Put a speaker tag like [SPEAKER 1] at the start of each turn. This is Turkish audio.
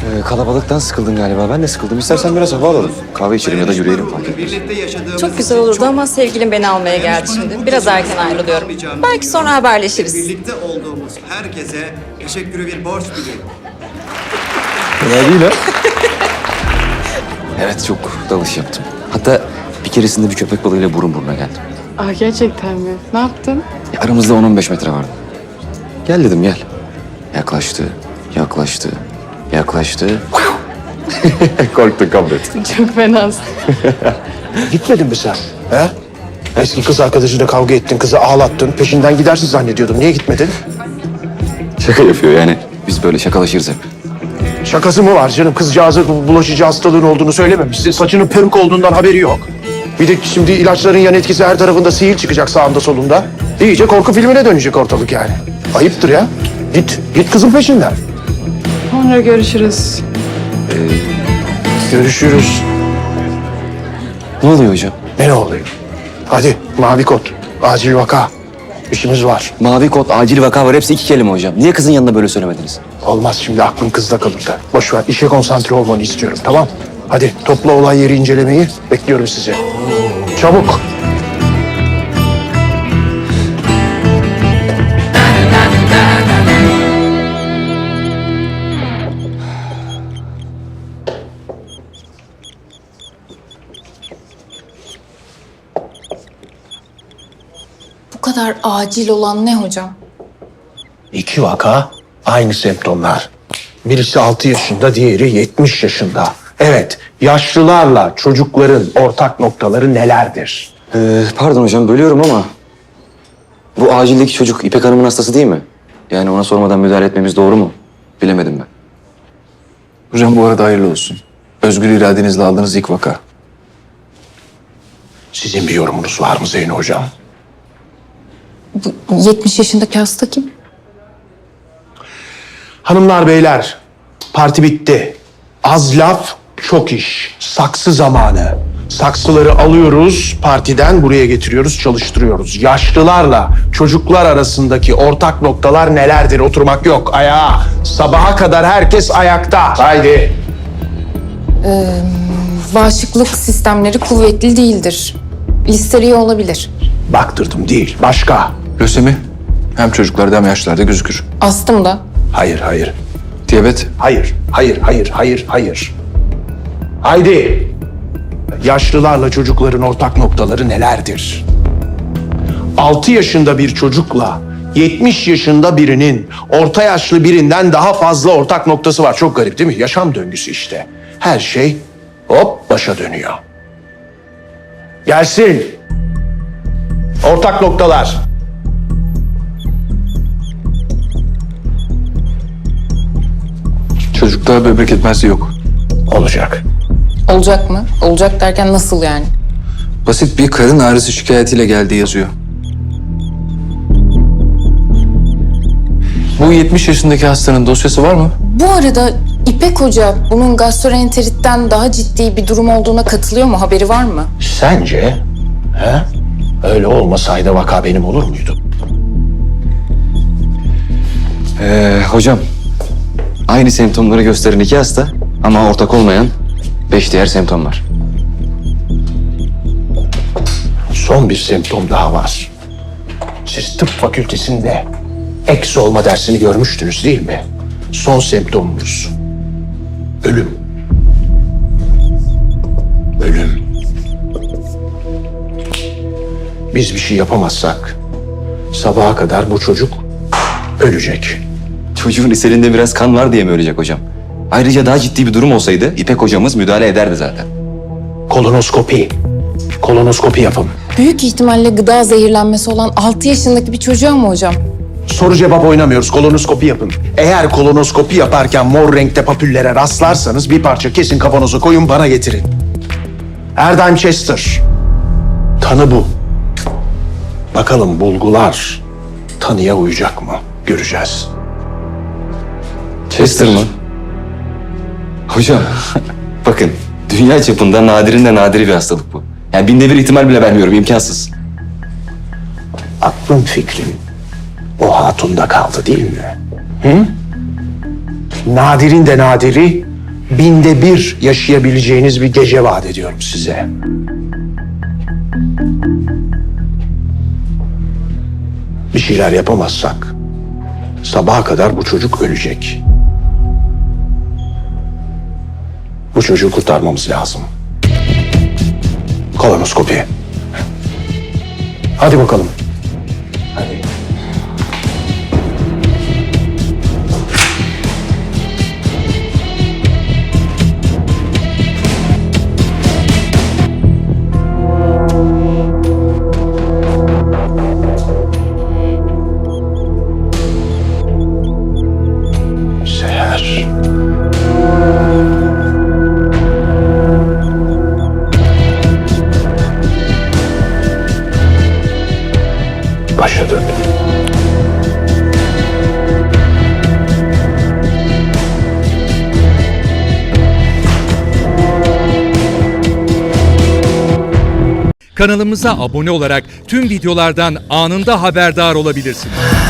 [SPEAKER 1] Kalabalıktan sıkıldın galiba. Ben de sıkıldım. İstersen biraz hava alalım. Kahve içelim ya da yürüyelim fark etmez.
[SPEAKER 2] Çok güzel olurdu ama sevgilim beni almaya geldi şimdi. Biraz erken ayrılıyorum. Belki sonra haberleşiriz.
[SPEAKER 3] Birlikte olduğumuz herkese teşekkürü bir borç biliyorum.
[SPEAKER 1] Ne değil ha? Evet, çok dalış yaptım. Hatta bir keresinde bir köpek balığıyla burun buruna geldim.
[SPEAKER 4] Aa, gerçekten mi? Ne yaptın?
[SPEAKER 1] Ya aramızda 10-15 metre vardı. Gel dedim, gel. Yaklaştı, yaklaştı, yaklaştı. Korktun, kabul et.
[SPEAKER 4] Çok fenasın.
[SPEAKER 5] Gitmedin mi sen? He? Eski kız arkadaşıyla kavga ettin, kızı ağlattın. Peşinden gidersin zannediyordum. Niye gitmedin?
[SPEAKER 1] Şaka yapıyor yani. Biz böyle şakalaşırız hep.
[SPEAKER 5] Şakası mı var canım? Kızcağıza bulaşıcı hastalığın olduğunu söylememişsin. Saçının peruk olduğundan haberi yok. Bir de şimdi ilaçların yan etkisi her tarafında sihir çıkacak sağında solunda. İyice korku filmine dönecek ortalık yani. Ayıptır ya. Git kızın peşinden.
[SPEAKER 4] Sonra görüşürüz.
[SPEAKER 5] Görüşürüz.
[SPEAKER 1] Ne oluyor hocam?
[SPEAKER 5] Ne oluyor? Hadi mavi kod. Acil vaka. İşimiz var.
[SPEAKER 1] Mavi kod, acil vaka var. Hepsi 2 kelime hocam. Niye kızın yanında böyle söylemediniz?
[SPEAKER 5] Olmaz, şimdi aklın kızda kalır da. Boş ver, işe konsantre olmanı istiyorum, tamam? Hadi topla olay yeri incelemeyi. Bekliyorum sizi. Çabuk.
[SPEAKER 6] Bu kadar acil olan ne hocam?
[SPEAKER 5] 2 vaka, aynı semptomlar. Birisi 6 yaşında, diğeri 70 yaşında. Evet, yaşlılarla çocukların ortak noktaları nelerdir?
[SPEAKER 1] Pardon hocam, bölüyorum ama... Bu acildeki çocuk İpek Hanım'ın hastası değil mi? Yani ona sormadan müdahale etmemiz doğru mu? Bilemedim ben.
[SPEAKER 7] Hocam bu arada hayırlı olsun. Özgür iradenizle aldığınız ilk vaka.
[SPEAKER 5] Sizin bir yorumunuz var mı Zeyno Hocam?
[SPEAKER 6] Bu 70 yaşındaki hasta kim?
[SPEAKER 5] Hanımlar beyler, parti bitti. Az laf, çok iş. Saksı zamanı. Saksıları alıyoruz, partiden buraya getiriyoruz, çalıştırıyoruz. Yaşlılarla çocuklar arasındaki ortak noktalar nelerdir? Oturmak yok, ayağa. Sabaha kadar herkes ayakta. Haydi.
[SPEAKER 6] Bağışıklık sistemleri kuvvetli değildir. Listeriye olabilir.
[SPEAKER 5] Baktırdım değil, başka.
[SPEAKER 7] Lösemi hem çocuklarda hem yaşlılarda gözükür.
[SPEAKER 6] Astım da.
[SPEAKER 5] Hayır.
[SPEAKER 7] Diyabet,
[SPEAKER 5] Hayır. Haydi. Yaşlılarla çocukların ortak noktaları nelerdir? 6 yaşında bir çocukla 70 yaşında birinin orta yaşlı birinden daha fazla ortak noktası var. Çok garip değil mi? Yaşam döngüsü işte. Her şey hop başa dönüyor. Gelsin. Ortak noktalar.
[SPEAKER 7] çocukta böbrek yetmezliği yok.
[SPEAKER 5] Olacak.
[SPEAKER 6] Olacak mı? Olacak derken nasıl yani?
[SPEAKER 7] Basit bir karın ağrısı şikayetiyle geldiği yazıyor. Bu 70 yaşındaki hastanın dosyası var mı?
[SPEAKER 6] Bu arada İpek Hoca bunun gastroenteritten daha ciddi bir durum olduğuna katılıyor mu? Haberi var mı?
[SPEAKER 5] Sence? He? Öyle olmasaydı vaka benim olur muydu?
[SPEAKER 1] Hocam, aynı semptomları gösteren 2 hasta ama ortak olmayan 5 diğer semptom var.
[SPEAKER 5] Son bir semptom daha var. Siz tıp fakültesinde eks olma dersini görmüştünüz değil mi? Son semptomumuz ölüm. Ölüm. Biz bir şey yapamazsak sabaha kadar bu çocuk ölecek.
[SPEAKER 1] Çocuğun iselinde biraz kan var diye mi ölecek hocam? Ayrıca daha ciddi bir durum olsaydı İpek hocamız müdahale ederdi zaten.
[SPEAKER 5] Kolonoskopi. Kolonoskopi yapın.
[SPEAKER 6] Büyük ihtimalle gıda zehirlenmesi olan 6 yaşındaki bir çocuğa mı hocam?
[SPEAKER 5] Soru cevap oynamıyoruz. Kolonoskopi yapın. Eğer kolonoskopi yaparken mor renkte papüllere rastlarsanız bir parça kesin kavanoza koyun bana getirin. Erdheim Chester. Tanı bu. Bakalım bulgular tanıya uyacak mı? Göreceğiz.
[SPEAKER 1] Chester mı? Hocam, bakın dünya çapında nadirin de nadiri bir hastalık bu. Yani 1000'de 1 ihtimal bile vermiyorum, imkansız.
[SPEAKER 5] Aklın fikrin o hatunda kaldı değil mi? Hı? Nadirin de nadiri, binde bir yaşayabileceğiniz bir gece vaat ediyorum size. Bir şeyler yapamazsak sabaha kadar bu çocuk ölecek. Bu çocuğu kurtarmamız lazım. Kolonoskopi. Hadi bakalım. Hadi. Seher. Başa dön.
[SPEAKER 8] Kanalımıza abone olarak tüm videolardan anında haberdar olabilirsiniz.